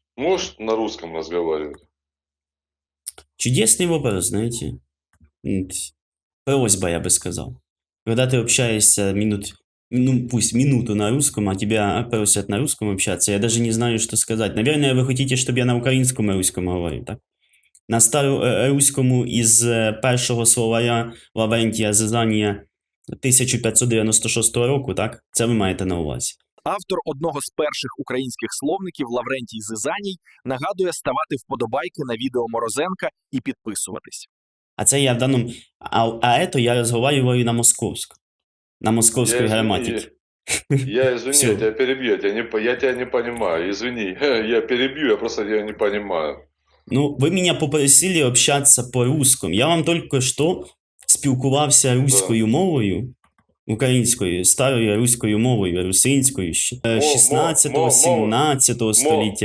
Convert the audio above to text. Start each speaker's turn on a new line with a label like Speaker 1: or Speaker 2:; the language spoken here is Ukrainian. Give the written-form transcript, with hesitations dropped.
Speaker 1: Можешь на русском разговаривать?
Speaker 2: Чудесный вопрос, знаете. Просьба, я бы сказал. Когда ты общаешься ну пусть минуту на русском, а тебя просят на русском общаться, я даже не знаю, что сказать. Наверное, вы хотите, щоб я на українському і руському говорив, так? На староруському із першого словаря Лаврентія Зизанія 1596 року, так? Це ви маєте на увазі.
Speaker 3: Автор одного з перших українських словників Лаврентій Зизаній нагадує ставати вподобайки на відео Морозенка і підписуватись.
Speaker 2: А це я в даному... это я разговариваю на московському. На московській граматиці.
Speaker 1: Я извини,
Speaker 2: Всё.
Speaker 1: я тебя перебью, я тебя не понимаю, извини, я перебью, я просто тебя не понимаю.
Speaker 2: Ну, ви мене попросили общатися по-русскому. Я вам тільки що спілкувався руською мовою, українською, старою руською мовою, русинською ще 16-17 століття.